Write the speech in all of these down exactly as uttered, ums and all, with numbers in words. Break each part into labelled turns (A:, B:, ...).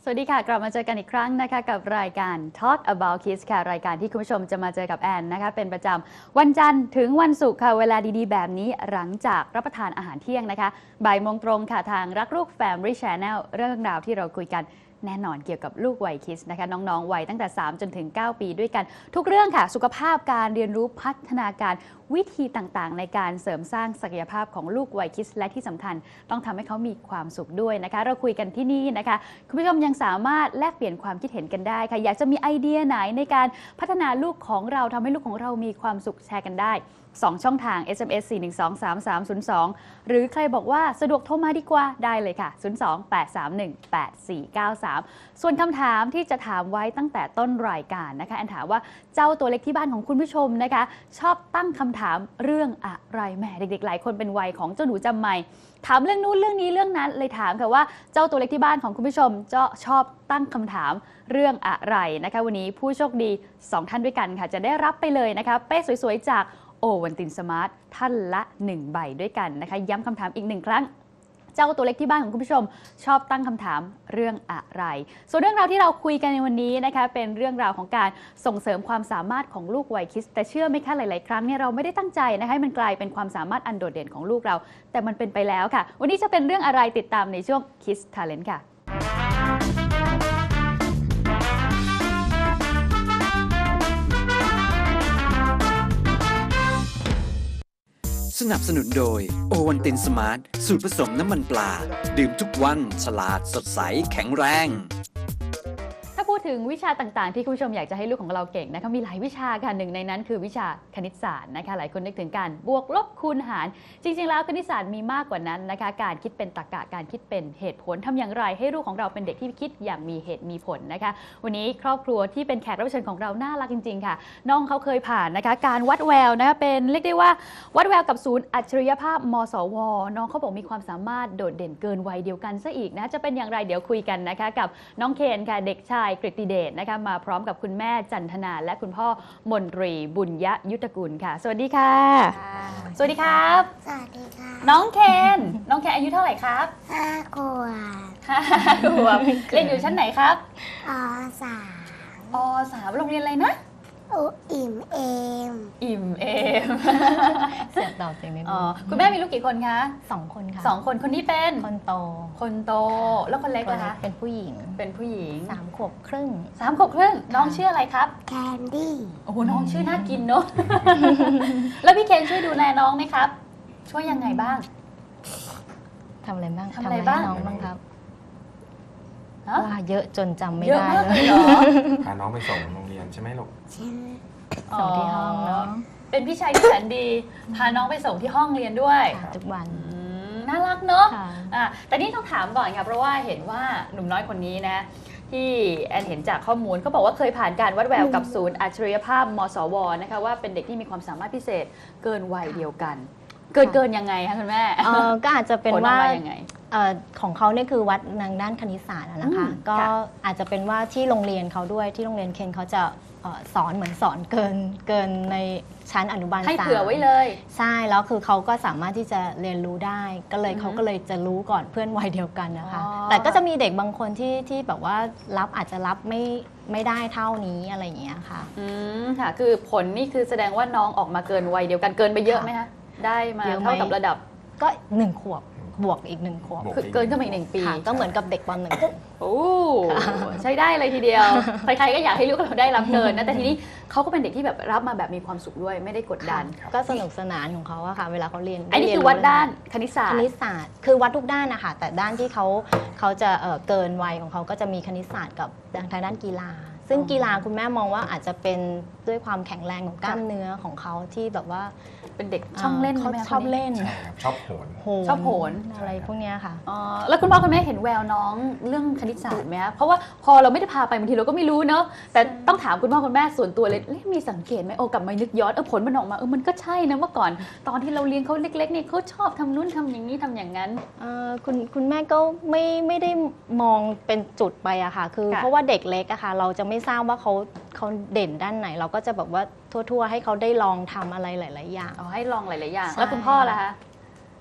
A: สวัสดีค่ะกลับมาเจอกันอีกครั้งนะคะกับรายการ Talk About Kids ค่ะรายการที่คุณผู้ชมจะมาเจอกับแอนนะคะเป็นประจำวันจันทร์ถึงวันศุกร์ค่ะเวลาดีๆแบบนี้หลังจากรับประทานอาหารเที่ยงนะคะบ่ายโมงตรงค่ะทางรักลูก Family Channel เรื่องราวที่เราคุยกันแน่นอนเกี่ยวกับลูกวัยคิดนะคะน้องๆวัยตั้งแต่สามจนถึงเก้าปีด้วยกันทุกเรื่องค่ะสุขภาพการเรียนรู้พัฒนาการวิธีต่างๆในการเสริมสร้างศักยภาพของลูกวัยคิดและที่สำคัญต้องทำให้เขามีความสุขด้วยนะคะเราคุยกันที่นี่นะคะคุณผู้ชมยังสามารถแลกเปลี่ยนความคิดเห็นกันได้ค่ะอยากจะมีไอเดียไหนในการพัฒนาลูกของเราทำให้ลูกของเรามีความสุขแชร์กันได้สองช่องทาง เอส เอ็ม เอส สี่ หนึ่ง สอง สาม สาม ศูนย์ สอง หรือใครบอกว่าสะดวกโทรมาดีกว่าได้เลยค่ะ ศูนย์ สอง แปด สาม หนึ่ง แปด สี่ เก้า สาม ส่วนคำถามที่จะถามไว้ตั้งแต่ต้นรายการนะคะแอนถามว่าเจ้าตัวเล็กที่บ้านของคุณผู้ชมนะคะชอบตั้งคำถามเรื่องอะไรแหมเด็กๆหลายคนเป็นวัยของเจ้าหนูจำไม่ถามเรื่องนู้นเรื่องนี้เรื่องนั้นเลยถามค่ะว่าเจ้าตัวเล็กที่บ้านของคุณผู้ชมจะชอบตั้งคำถามเรื่องอะไรนะคะวันนี้ผู้โชคดีสองท่านด้วยกันค่ะจะได้รับไปเลยนะคะเป้สวยๆจากโอวันตินสมาร์ทท่านละหนึ่งใบด้วยกันนะคะย้ำคำถามอีกหนึ่งครั้งเจ้าตัวเล็กที่บ้านของคุณผู้ชมชอบตั้งคำถามเรื่องอะไรส่วนเรื่องราวที่เราคุยกันในวันนี้นะคะเป็นเรื่องราวของการส่งเสริมความสามารถของลูกวัยคิดแต่เชื่อไหมคะหลายๆครั้งเนี่ยเราไม่ได้ตั้งใจนะคะให้มันกลายเป็นความสามารถอันโดดเด่นของลูกเราแต่มันเป็นไปแล้วค่ะวันนี้จะเป็นเรื่องอะไรติดตามในช่วง Kids Talent ค่ะ
B: สนับสนุนโดยโอวันตินสมาร์ทสูตรผสมน้ำมันปลาดื่มทุกวันฉลาดสดใสแข็งแรง
A: ถ้าพูดถึงวิชาต่างๆที่คุณผู้ชมอยากจะให้ลูกของเราเก่งนะคะมีหลายวิชาค่ะหนึ่งในนั้นคือวิชาคณิตศาสตร์นะคะหลายคนนึกถึงการบวกลบคูณหารจริงๆแล้วคณิตศาสตร์มีมากกว่านั้นนะคะการคิดเป็นตรรกะการคิดเป็นเหตุผลทำอย่างไรให้ลูกของเราเป็นเด็กที่คิดอย่างมีเหตุมีผลนะคะวันนี้ครอบครัวที่เป็นแขกรับเชิญของเราน่ารักจริงๆค่ะน้องเขาเคยผ่านนะคะการวัดแววนะคะเป็นเรียกได้ว่าวัดแววกับศูนย์อัจฉริยภาพมสวน้องเขาบอกมีความสามารถโดดเด่นเกินวัยเดียวกันซะอีกนะจะเป็นอย่างไรเดี๋ยวคุยกันนะคะกับน้องเคนค่ะเด็กชายกฤติเดชนะคะมาพร้อมกับคุณแม่จันทนาและคุณพ่อมนตรีบุญยยุทธกุลค่ะสวัสดีค่ะสวัสดีครับ
C: สวัสดีค่ะ
A: น้องเคนน้องเคนอายุเท่าไหร่ครับ
C: ห้าขวบ
A: ห้าขวบเรียนอยู่ชั้นไหนครับ
C: อสาม
A: อสามโรงเรียนอะไรนะ
C: อุอิ่มเอม
A: อิ่มเอม
D: เสียงตอบจริงนิดนึง
A: คุณแม่มีลูกกี่คนคะ
D: สองคนค่ะ
A: สองคนคนนี้เป็น
D: คนโต
A: คนโตแล้วคนเล็กล่ะคะ
D: เป็นผู้หญิง
A: เป็นผู้หญิง
D: สามขวบครึ่ง
A: สามขวบครึ่งน้องชื่ออะไรครับ
C: แคนดี้
A: โอ้โหน้องชื่อน่ากินเนอะแล้วพี่เคนช่วยดูแลน้องไหมครับช่วยยังไงบ้าง
D: ทำอะไรบ้าง
A: ทำอะไรบ้าง
D: น้องบ้างครับว่าเยอะจนจำไม่ได้
A: เลย
E: พาน้องไปส่งโรงเรียนใช่ไหมลูก
D: ส่งที่ห้องเนาะ
A: เป็นพี่ชายที่แสนดีพาน้องไปส่งที่ห้องเรียนด้วย
D: ทุกวัน
A: น่ารักเนอะแต่นี่ต้องถามก่อนค่ะเพราะว่าเห็นว่าหนุ่มน้อยคนนี้นะที่แอนเห็นจากข้อมูลเขาบอกว่าเคยผ่านการวัดแววกับศูนย์อัจฉริยภาพมสวนะคะว่าเป็นเด็กที่มีความสามารถพิเศษเกินวัยเดียวกันเกินเกินยังไงคะคุณแม่
D: ก็อาจจะเป็นว่าของเขาเนี่ยคือวัดทางด้านคณิตศาสตร์นะคะก็อาจจะเป็นว่าที่โรงเรียนเขาด้วยที่โรงเรียนเคนเขาจะสอนเหมือนสอนเกินเกินในชั้นอนุบาลสาม
A: ให้เผื่อไว้เลย
D: ใช่แล้วคือเขาก็สามารถที่จะเรียนรู้ได้ก็เลยเขาก็เลยจะรู้ก่อนเพื่อนวัยเดียวกันนะคะแต่ก็จะมีเด็กบางคนที่ที่แบบว่ารับอาจจะรับไม่ไม่ได้เท่านี้อะไรอย่างเงี้ยค่ะ
A: อืมค่ะคือผลนี่คือแสดงว่าน้องออกมาเกินวัยเดียวกันเกินไปเยอะไหมคะได้มาเท่ากับระดับ
D: ก็หนึ่งขวบบวกอีกหนึ่งขวบ
A: คือเกินขึ้นมาอีกหนึ่งปี
D: ก็เหมือนกับเด็กปหนึ่ง
A: โอ้ใช้ได้เลยทีเดียวใครๆก็อยากให้ลูกเราได้รับเกินนะแต่ทีนี้เขาก็เป็นเด็กที่แบบรับมาแบบมีความสุขด้วยไม่ได้กดดัน
D: ก็สนุกสนานของเขาอะค่ะเวลาเขาเรียน
A: อันนี้คือวัดด้านคณิตศาสตร์
D: คณิตศาสตร์คือวัดทุกด้านนะคะแต่ด้านที่เขาเขาจะเกินวัยของเขาก็จะมีคณิตศาสตร์กับทางด้านกีฬาซึ่งกีฬาคุณแม่มองว่าอาจจะเป็นด้วยความแข็งแรงของกล้ามเนื้อของเขาที่แบบว่า
A: เป็นเด็กชอบเล่น
D: เขาชอบเล่น
E: ชอบโหน
A: ชอบโหน
D: อะไรพวกนี้ค่ะ
A: แล้วคุณพ่อคุณแม่เห็นแววน้องเรื่องคณิตศาสตร์ไหมคะเพราะว่าพอเราไม่ได้พาไปบางทีเราก็ไม่รู้เนอะแต่ต้องถามคุณพ่อคุณแม่ส่วนตัวเลยมีสังเกตไหมโอ้กลับมานึกย้อนเออผลมันออกมาเออมันก็ใช่นะเมื่อก่อนตอนที่เราเลี้ยงเขาเล็กๆเนี่ยเขาชอบทำนู่นทำอย่างนี้ทำอย่างนั้น
D: คุณคุณแม่ก็ไม่ไม่ได้มองเป็นจุดไปอะค่ะคือเพราะว่าเด็กเล็กอะค่ะเราจะไม่ทราบว่าเขาเขาเด่นด้านไหนเราก็จะแบบว่าทั่วๆให้เขาได้ลองทำอะไรหลายๆอย่าง
A: เอาให้ลองหลายๆอย่างแล้วคุณพ่อล่ะคะ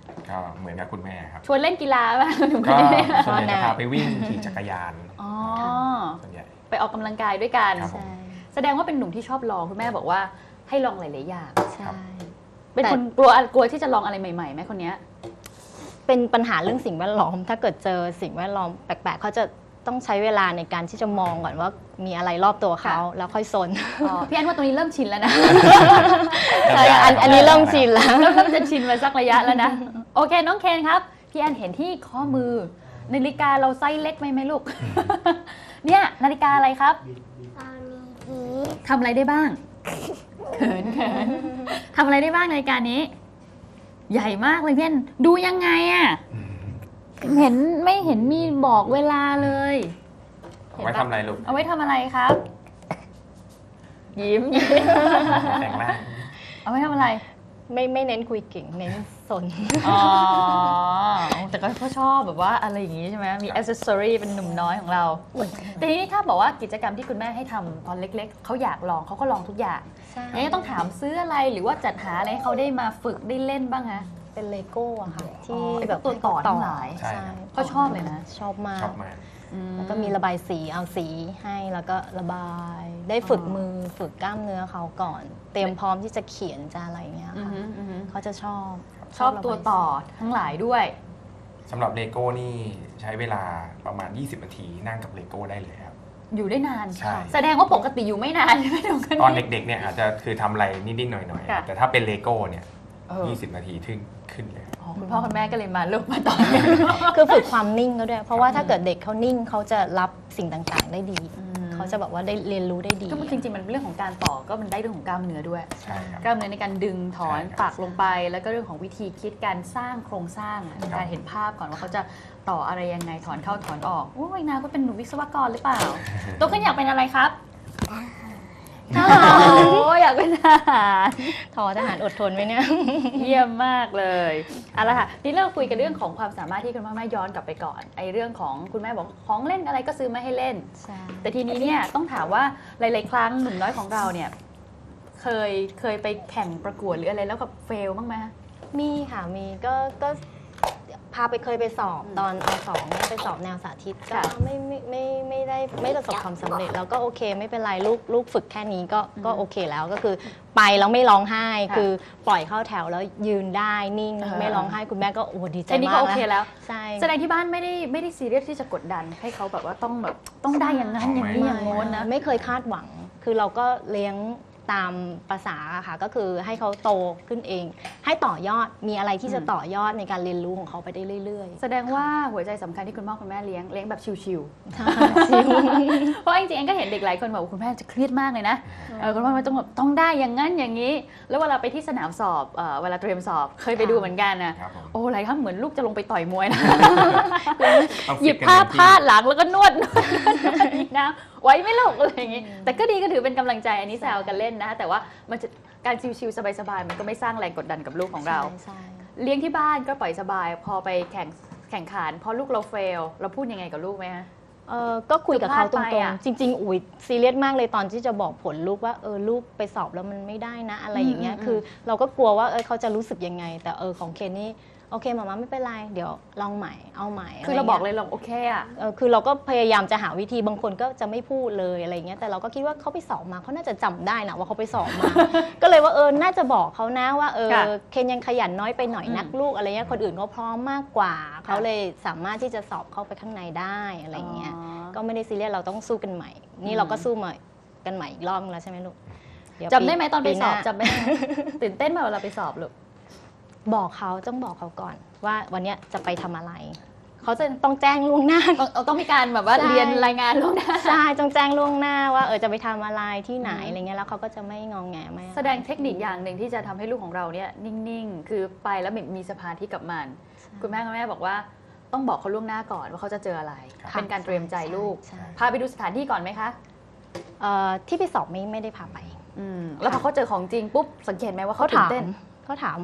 E: ก็เหมือนกับคุณแม่ครับ
A: ชวนเล่นกีฬาป่ะหนุ่มค
E: ก็
A: นนี้
E: ส่วนใหญ่จะพาไปวิ่งขี่จักรยาน
A: อ๋อ
E: ส่วนใหญ่
A: ไปออกกำลังกายด้วยกัน
E: ครับผม
D: ใช่
A: แสดงว่าเป็นหนุ่มที่ชอบลองคุณแม่บอกว่าให้ลองหลายๆอย่าง
D: ใช่
A: เป็น
D: แต่
A: คนกลัวกลัวที่จะลองอะไรใหม่ๆไหมคนเนี้ย
D: เป็นปัญหาเรื่องสิ่งแวดล้อม ถ้าเกิดเจอสิ่งแวดล้อมแปลกๆเขาจะต้องใช้เวลาในการที่จะมองก่อนว่ามีอะไรรอบตัวเขา
A: ค่ะ
D: แล้วค่อยซน
A: อ๋อพี่แอนว่าตรงนี้เริ่มชินแล้วนะ
D: ใช่อันอันนี้เริ่มชินแล้ว
A: เริ่มเริ่มจะชินมาสักระยะแล้วนะ โอเคน้องเคนครับ พี่แอนเห็นที่ข้อมือนาฬิกาเราไซส์เล็กไหมไหมลูก เนี่ยนาฬิกาอะไรครับ
C: ตอนนี้พี
A: ทำอะไรได้บ้าง เขินเขินทำอะไรได้บ้างนาฬิกานี้ ใหญ่มากเลยพี่แอนดูยังไงอะเห็นไม่เห็นมีบอกเวลาเลย
E: เอาไว้ทำอะไรลูก
A: เอาไว้ทำอะไรครับ ยิ้มยิ้ม
E: แต่งหน้า
A: เอาไว้ทำอะไร
D: ไม่ไม่เน้นคุยเก่งเน้นสน
A: อ๋อ แต่ก็เขาชอบแบบว่าอะไรอย่างงี้ใช่ไหมมีอ c เซสซอรีเป็นหนุ่มน้อยของเราแต่ทีนี้ถ้าบอกว่ากิจกรรมที่คุณแม่ให้ทำตอนเล็กๆ เขาอยากลองเขาก็ลองทุกอย่าง
D: ใช่
A: ยังต้องถามซื้ออะไรหรือว่าจัดหาอะไรให้เขาได้มาฝึกได้เล่นบ้างฮะ
D: เป็นเลโก้อะค่ะ ที่
A: อ๋อไอ้พวก
D: แบบ
A: ตัวต่อทั้งหลาย
E: ใช่ครับ
A: เขาชอบเลยนะ
D: ชอบมาก
E: ชอบมาก
D: แล้วก็มีระบายสีเอาสีให้แล้วก็ระบาย ได้ฝึก
A: อ๋อ
D: มือฝึกกล้ามเนื้อเขาก่อน เตรียมพร้อมที่จะเขียนจะอะไรเงี้ย
A: อือ
D: ค่ะ
A: ฮึอือฮึ
D: เขาจะชอบ
A: ชอบ
D: ระบาย
A: ตัวต่อ
D: สี
A: ทั้งหลายด้วย
E: สำหรับเลโก้นี่ใช้เวลาประมาณ ยี่สิบ นาทีนั่งกับเลโก้ได้เลยครับ
A: อยู่ได้นาน
E: ใช่
A: แสดงว่าปกติอยู่ไม่นานใช่ไหมน้องคน
E: ตอน
A: นี้
E: เด็กๆเนี่ยอาจจะคือทำอะไรนิดๆหน่อย
A: ค่ะ
E: ๆ แต่ถ้าเป็นเลโก้เนี่ย
A: เออ
E: ยี่สิบ นาทีขึ้นขึ้นเลย
A: อ๋อคุณพ่อคุณแม่ก็เลยมาลูกมาตอน
D: คือฝึกความนิ่งก็ด้วย เพราะว่าถ้าเกิดเด็กเขานิ่งเขาจะรับสิ่งต่างๆ ได้ดี เขาจะแบบว่าได้เรียนรู้ได้ดี
A: ก็จริงๆมันเป็นเรื่องของการต่อก็มันได้เรื่องของกล้ามเนื้อด้วย
E: ใช่ครับ
A: กล้ามเนื้อในการดึงถอน
E: ใช่ครับ
A: ปักลงไป แล้วก็เรื่องของวิธีคิดการสร้างโครงสร้างอะ
E: ครับ
A: การเห็นภาพก่อนว่าเขาจะต่ออะไรยังไงถอนเข้าถอนออกโอ้ยนาก็เป็นหนุ่มวิศวกรหรือเปล่าโตขึ้นอยากเป็นอะไรครับทหารโอ้ยอยากเป็นทหาร
D: ทอทหารอดทนไว้เนี่ย
A: เยี่ยมมากเลยเอาละค่ะนี่เราคุยกันเรื่องของความสามารถที่คุณพ่อแม่ย้อนกลับไปก่อนไอ้เรื่องของคุณแม่บอกของเล่นอะไรก็ซื้อมาให้เล่น
D: ใช่
A: แต่ทีนี้เนี่ยต้องถามว่าหลาย ๆ ครั้งหนุ่มน้อยของเราเนี่ยเคยเคยไปแข่งประกวดหรืออะไรแล้วกับเฟลบ้างไหม
D: มีค่ะ มีก็ก็พาไปเคยไปสอบตอนอสองเนี่ยไปสอบแนวสาธิตก็
A: ค่ะ
D: ไม่ไม่ไม่ไม่ได้ไม่ประสบความสำเร็จแล้วก็โอเคไม่เป็นไรลูกลูกฝึกแค่นี้ก็ก็โอเคแล้วก็คือไปแล้วไม่ร้องไห้
A: ค่ะ
D: คือปล่อยเข้าแถวแล้วยืนได้นิ่ง
A: เออ
D: ไม่ร้องไห้คุณแม่ก็โอ้ดีใจ
A: แค่นี้
D: มา
A: ก็
D: ก
A: โอเคแล้ว
D: ใช่
A: แสดงที่บ้านไม่ได้ไม่ได้ซีเรียสที่จะกดดันให้เขาแบบว่าต้องแบบต้องได้อย่างนั้นอย่างนี้อย่างโน้นนะ
D: ไม่เคยคาดหวัง คือเราก็เลี้ยงตามภาษาอะค่ะก็คือให้เขาโตขึ้นเอง ให้ต่อยอดมีอะไรที่จะต่อยอดในการเรียนรู้ของเขาไปได้เรื่อย
A: แสดงว่าหัวใจสำคัญที่คุณพ่อคุณแม่เลี้ยงเลี้ยงแบบชิว
D: ๆใช่
A: ๆ เพราะจริงๆเองก็เห็นเด็กหลายคนบอกว่าคุณแม่จะเครียดมากเลยนะเออคุณพ่อคุณแม่ต้องแบบต้องได้อย่างนั้นอย่างนี้ แล้วเวลาไปที่สนามสอบเอ่อเวลาเตรียมสอบเคยไปดูเหมือนกันนะครับ
E: ผม
A: โอ้หลายครั้งเหมือนลูกจะลงไปต่อยมวยนะ
E: ต้อง
A: หยิบ
E: ฟิตกัน
A: ผ้า
E: เต็มที่
A: พาดหลังแล้วก็นวดนวดนวดนวดอีกนะไว้ไม่ลูกอะไรอย่างงี้ แต่ก็ดีก็ถือเป็นกำลังใจอันนี้แซวกันเล่นนะ แต่ว่ามันจะการชิวๆสบายๆมันก็ไม่สร้างแรงกดดันกับลูกของเรา
D: ใช่
A: เลี้ยงที่บ้านก็ปล่อยสบาย พอไปแข่งแข่งขันพอลูกเราเฟลเราพูดยังไงกับลูกไหมฮะ
D: เออก็คุยกับเขาต
A: คือ
D: ร
A: พลาดไป
D: ง
A: อะ
D: ๆ จริง ๆ อุ๋ยซีเรียสมากเลยตอนที่จะบอกผลลูกว่าเออลูกไปสอบแล้วมันไม่ได้นะอะไรอย่างเงี้ย
A: อืม
D: คือเราก็กลัวว่าเออเขาจะรู้สึกยังไง แต่เออของเคนนี่โอเคมาม่าไม่เป็นไรเดี๋ยวลองใหม่เอาใหม่ะ
A: คือ
D: ไงี้
A: เราบอกเลยเราโอเคอะ
D: เออคือเราก็พยายามจะหาวิธีบางคนก็จะไม่พูดเลยอะไรเงี้ยแต่เราก็คิดว่าเขาไปสอบมาเขาน่าจะจำได้นะว่าเขาไปสอบมา ก็เลยว่าเออน่าจะบอกเขานะว่าเออ
A: ค่ะ
D: เคนยังขยันน้อยไปหน่อย
A: อืม
D: นักลูกอะไรเงี้ยคนอื่นเขาพร้อมมากกว่าเขาเลยสามารถที่จะสอบเข้าไปข้างในได้อะไรเงี้ย
A: อ๋อ
D: ก็ไม่ได้ซีเรียสเราต้องสู้กันใหม่ นี่
A: อืม
D: เราก็สู้มากันใหม่อีกรอบนึงแล้วใช่ไหมลูกเยว
A: จำได้ไหมตอนไปสอบ
D: หา
A: จำไม่ได้ ตื่นเต้นไหมเวลาไปสอบลูก
D: บอกเขาต้องบอกเขาก่อนว่าวันเนี้ยจะไปทำอะไร เขาจะต้องแจ้งล่วงหน้า
A: ต้องต้องมีการแบบว่า
D: ใช่
A: เรียนรายงานล่วงหน้า
D: ใช่ต้องแจ้งล่วงหน้าว่าเออจะไปทำอะไรที่ไหน
A: อืม
D: อะไรเงี้ยแล้วเขาก็จะไม่งองแงไม่
A: แสดงเทคนิคอย่างหนึ่งที่จะทำให้ลูกของเราเนี่ยนิ่งๆ คือไปแล้วมีสมาธิกับมัน คุณแม่คุณแม่บอกว่าต้องบอกเขาล่วงหน้าก่อนว่าเขาจะเจออะไร
D: ค่ะ
A: เป็นการเตรียมใจลูก
D: ใช่
A: พาไปดูสถานที่ก่อนไหมคะ
D: เอ่อที่ไปสอบไม่ไม่ได้พาไป
A: อืมแล้วพอเขาเจอของจริงปุ๊บสังเกตไหมว่าเขา
D: เขา
A: ตื่
D: ถาน ม
A: เต้น
D: เขาถาม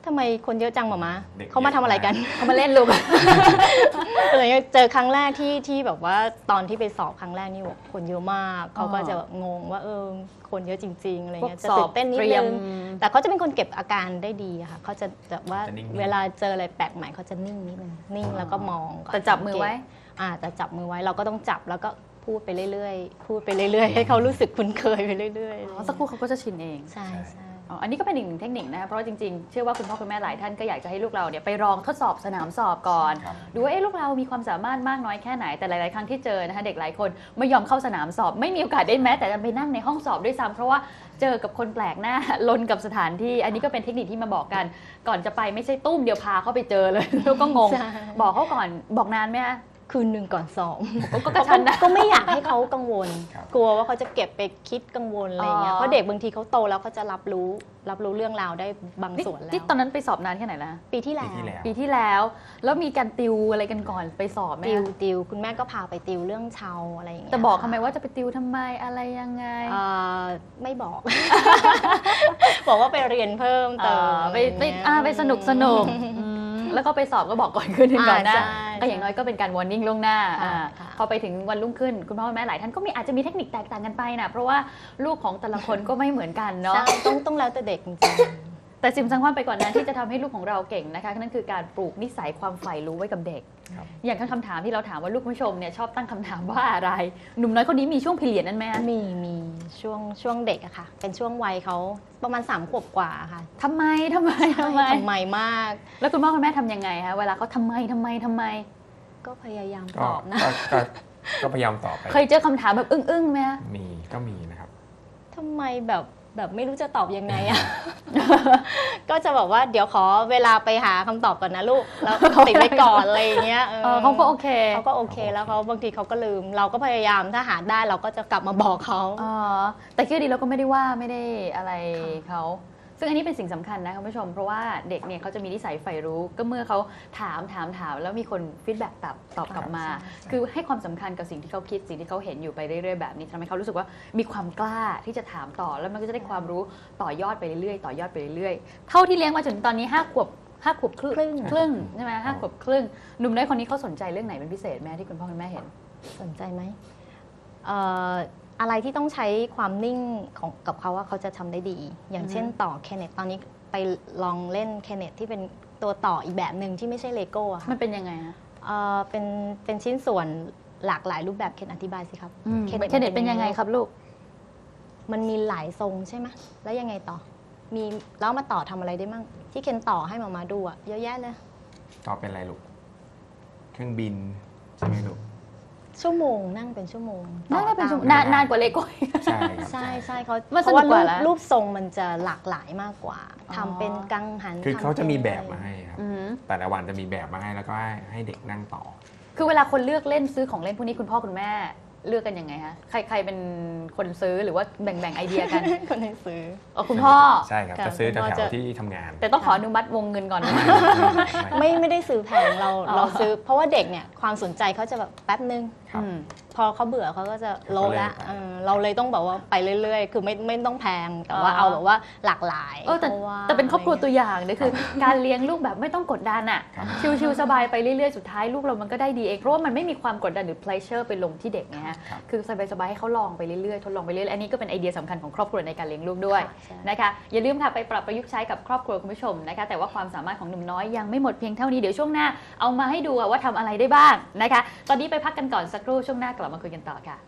D: ทำไมคนเยอะจังหมอมา
E: เด็ก
D: เขามาทำอะไรกัน
A: เขามาเล่นลูก
D: อะไรเงี้ยเจอครั้งแรกที่ที่แบบว่าตอนที่ไปสอบครั้งแรกนี่แบบคนเยอะมากเขาก็จะแบบงงว่าเออคนเยอะจริงๆอะไรเงี้ยจะตื่นเต้นนิดนึงแต่เขาจะเป็นคนเก็บอาการได้ดีอะค่ะเขาจะแบบว่าเวลาเจออะไรแปลกใหม่เขาจะนิ่งนิดนึงนิ่งแล้วก็มองก่อน
A: แต่จับมือไว้
D: อ่าแต่จับมือไว้เราก็ต้องจับแล้วก็พูดไปเรื่อยๆพูดไปเรื่อยๆให้เขารู้สึกคุ้นเคยไปเรื่อย
A: อ๋อสักครู่เขาก็จะชินเอง
D: ๆใช่ใช่
A: อ๋ออันนี้ก็เป็นอีกหนึ่งเทคนิคนะคะเพราะว่าจริงๆเชื่อว่าคุณพ่อคุณแม่หลายท่านก็อยากจะให้ลูกเราเนี่ยไปลองทดสอบสนามสอบก่อน
E: ครับ
A: ดูว่าเอ๊ะลูกเรามีความสามารถมากน้อยแค่ไหนแต่หลายๆครั้งที่เจอนะคะเด็กหลายคนไม่ยอมเข้าสนามสอบ ไม่มีโอกาสได้แม้แต่จะไปนั่งในห้องสอบด้วยซ้ำเพราะว่าเจอกับคนแปลกหน้า ลนกับสถานที่อันนี้ก็เป็นเทคนิคที่มาบอกกันก่อนจะไปไม่ใช่ตุ้มเดียวพาเขาไปเจอเลย แล้วก็งง
D: ใช่
A: บอกเขาก่อนบอกนานไหมคะ
D: คืนหนึ่งก่อนสอบ
A: ก็กระชั้นนะ
D: ก็ไม่อยากให้เขากังวล
E: ครับ
D: กลัวว่าเขาจะเก็บไปคิดกังวลอะไรเงี้ย
A: อ๋อ
D: เพราะเด็กบางทีเขาโตแล้วเขาจะรับรู้รับรู้เรื่องราวได้บางส่วนแล้ว
A: ที่ตอนนั้นไปสอบนานแค่ไหนละ
D: ปีที่แล้
E: ปี
D: ว
E: ที่แล้ว
A: ปีที่แล้ว แล้วมีการติวอะไรกันก่อนไปสอบไหม
D: ติว
A: คะ
D: ติวคุณแม่ก็พาไปติวเรื่องเชาอะไรอย่างเงี้ย
A: แต่บอกทำไมว่าจะไปติวทำไมอะไรยังไง
D: เอ่อไม่บอก บอกว่าไปเรียนเพิ่มเติม
A: ไปไปอ่าไปสนุกสนุกอืมแล้วก็ไปสอบก็บอกก่อนคืนหนึงก่อนหน้า
D: อ่าใช่
A: ก็อย่างน้อยก็เป็นการวอร์นิ่งล่วงหน้า
D: ค่ะ
A: อ่า
D: ค่ะ
A: พอไปถึงวันรุ่งขึ้นคุณพ่อคุณแม่หลายท่านก็มีอาจจะมีเทคนิคแตกต่างกันไปนะเพราะว่าลูกของแต่ละคนก็ไม่เหมือนกันเนาะ
D: ใช่ต้องต้องแล้วแต่เด็กจริง
A: แต่สิ่งสำคัญไปกว่อนนั้นที่จะทำให้ลูกของเราเก่งนะคะนั่นคือการปลูกนิสัยความใฝ่รู้ไว้กับเด็ก
E: ครับ
A: อย่างคำถามที่เราถามว่าลูกผู้ชมเนี่ยชอบตั้งคำถามว่าอะไร หนุ่มน้อยคนนี้มีช่วงพีเรียดนั้นไหมคะ
D: ๆมีมีช่วงช่วงเด็กอะค่ะ เป็นช่วงวัยเขาประมาณสามขวบกว่าค่ะ
A: ทำไมทำไมทำไม
D: ทำไมมาก
A: แล้วคุณพ่อคุณแม่ทำยังไงคะเวลาเขาทำไมทำไมทำไม
D: ก็พยายาม
E: ก็
D: ตอบนะ
E: ก็ก็ก็พยายามตอบไป
A: เคยเจอคำถามแบบอึ้งๆไหมคะ
E: มีก็มีนะครับ
D: ทำไมแบบแบบไม่รู้จะตอบยังไงอะ ก็จะบอกว่าเดี๋ยวขอเวลาไปหาคำตอบก่อนนะลูก แล้วติดไว้ก่อนอะไรอย่างเงี้ย
A: เออเขาก็โอเค
D: เขาก็โอเคแล้วเขาบางทีเขาก็ลืม เราก็พยายามถ้าหาได้เราก็จะกลับมาบอกเขา
A: อ๋อแต่คือดีเราก็ไม่ได้ว่าไม่ได้อะไรเขาซึ่งอันนี้เป็นสิ่งสำคัญนะคุณผู้ชมเพราะว่าเด็กเนี่ยเขาจะมีนิสัยใฝ่รู้ก็เมื่อเขาถามถามถามแล้วมีคนฟีดแบ็กตอบตอบกลับมา
D: ใช่
A: คือให้ความสำคัญกับสิ่งที่เขาคิดสิ่งที่เขาเห็นอยู่ไปเรื่อยๆแบบนี้ทำให้เขารู้สึกว่ามีความกล้าที่จะถามต่อแล้วมันก็จะได้ความรู้ต่อยอดไปเรื่อยๆต่อยอดไปเรื่อยๆเท่าที่เลี้ยงมาจนตอนนี้ห้าขวบห้าขวบครึ่ง
D: ครึ่ง
A: ครึ่งใช่ไหมห้าขวบครึ่งหนุ่มน้อยคนนี้เขาสนใจเรื่องไหนเป็นพิเศษไหมที่คุณพ่อคุณแม่เห็น
D: สนใจไหมเอ่ออะไรที่ต้องใช้ความนิ่งของกับเขาว่าเขาจะทำได้ดี อย่างเช่นต่อแคเนตตอนนี้ไปลองเล่นแคเนตที่เป็นตัวต่ออีกแบบหนึ่งที่ไม่ใช่เลโก้อะค่ะ
A: มันเป็นยังไงฮะ
D: เอ่อเป็นเป็นชิ้นส่วนหลากหลายรูปแบบเคนอธิบายสิครับ
A: เคนเน็ตเป็นยังไงครับลูก
D: มันมีหลายทรงใช่ไหมแล้วยังไงต่อ มีแล้วมาต่อทำอะไรได้มั่งที่เคนต่อให้มามาดูอะเยอะแยะเลย
E: ตอบเป็นอะไรลูก เครื่องบินใช่ไหมลูก
D: ชั่วโมงนั่งเป็นชั่วโมง
A: น่าจะเป็นชั่วโมง
D: ต่อต
A: นานนานกว่าเลโก้
E: ใช่ครับ
D: ใช่ใช่เขา
A: มัน
D: เพราะว่า
A: สนุกก
D: รู
A: ว่า
D: ป
A: แล้ว
D: รูปทรงมันจะหลากหลายมากกว่า
A: อ๋อ
D: ทำเป็นกังหัน
E: คือ
D: ทำ
E: เขาจะมี
D: ป็น
E: แบบมาให้ครับ
A: อืม
E: แต่ละวันจะมีแบบมาให้แล้วก็ให้ให้เด็กนั่งต่อ
A: คือเวลาคนเลือกเล่นซื้อของเล่นพวกนี้คุณพ่อคุณแม่เลือกกันยังไงฮะใครใครเป็นคนซื้อหรือว่าแบ่งแบ่งไอเดียกัน
D: คนให้ซื้อ
A: เออคุณพ่อ
E: ใช่ครับ
D: ค่ะ
E: จะซื้อ
D: คุณพ่อ
E: แถ
D: จะ
E: วๆที่ทำงาน
A: แต่ต้องขออนุมัติวงเงินก่อนนะ
D: ไม่ไม่ได้ซื้อแพงเรา
A: อ๋อ
D: เราซื้อ เพราะว่าเด็กเนี่ยความสนใจเขาจะแบบแป๊บนึง
E: ครับ
A: อืม
D: พอเขาเบื่อเขาก็จะโลละ
E: เขาเลิกไป
D: เออเราเลยต้องแบบว่าไปเรื่อยๆ คือไม่ไม่ต้องแพงแต่ว่า
A: อ๋อ
D: เอาแบบว่าหลากหลาย
A: เออแต่
D: พราะว่า
A: แต่เป็นครอบครัวตัวอย่างเนี่ยคือ การเลี้ยงลูกแบบไม่ต้องกดดันอ่ะ
E: ครับ
A: ชิวๆสบายไปเรื่อยๆสุดท้ายลูกเรามันก็ได้ดีเองเพราะว่ามันไม่มีความกดดันหรือ pleasure ไปลงที่เด็กไงฮะ
E: ครับ
A: คือสบายๆให้เขาลองไปเรื่อยๆทดลองไปเรื่อยๆอันนี้ก็เป็นไอเดียสำคัญของครอบครัวในการเลี้ยงลูกด้วย
D: ค่ะใช่
A: นะคะอย่าลืมค่ะไปปรับประยุกต์ใช้กับครอบครัวคุณผู้ชมนะคะแต่ว่าความสามารถของหนุ่มน้อยยังไม่หมดเพียงเท่านี้เดี๋ยวช่วงหน้าเอามาให้ดูว่าทำอะไรได้บ้างนะคะตอนนี้ไปพักกันก่อนสักครู่ช่วงหน้ากลับมาคุยกันต่อค่ะ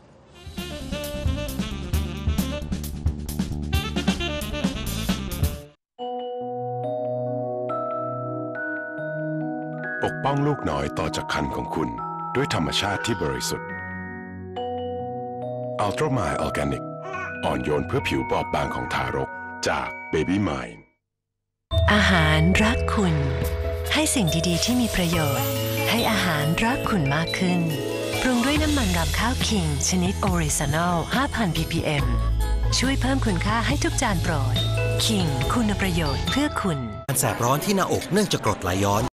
F: ปกป้องลูกน้อยต่อจากคันของคุณด้วยธรรมชาติที่บริสุทธิ์ Ultra Mile Organic อ่อนโยนเพื่อผิวบอบบางของทารกจาก Baby Mind
G: อาหารรักคุณ ให้สิ่งดีๆที่มีประโยชน์ ให้อาหารรักคุณมากขึ้น ปรุงด้วยน้ำมันรำข้าวคิงชนิดออริจินอล ห้าพัน พี พี เอ็ม ช่วยเพิ่มคุณค่าให้ทุกจานโปรดคิงคุณประโยชน์เพื่อคุณ
H: การแสบร้อนที่หน้าอกเนื่องจากกรดไหลย้อน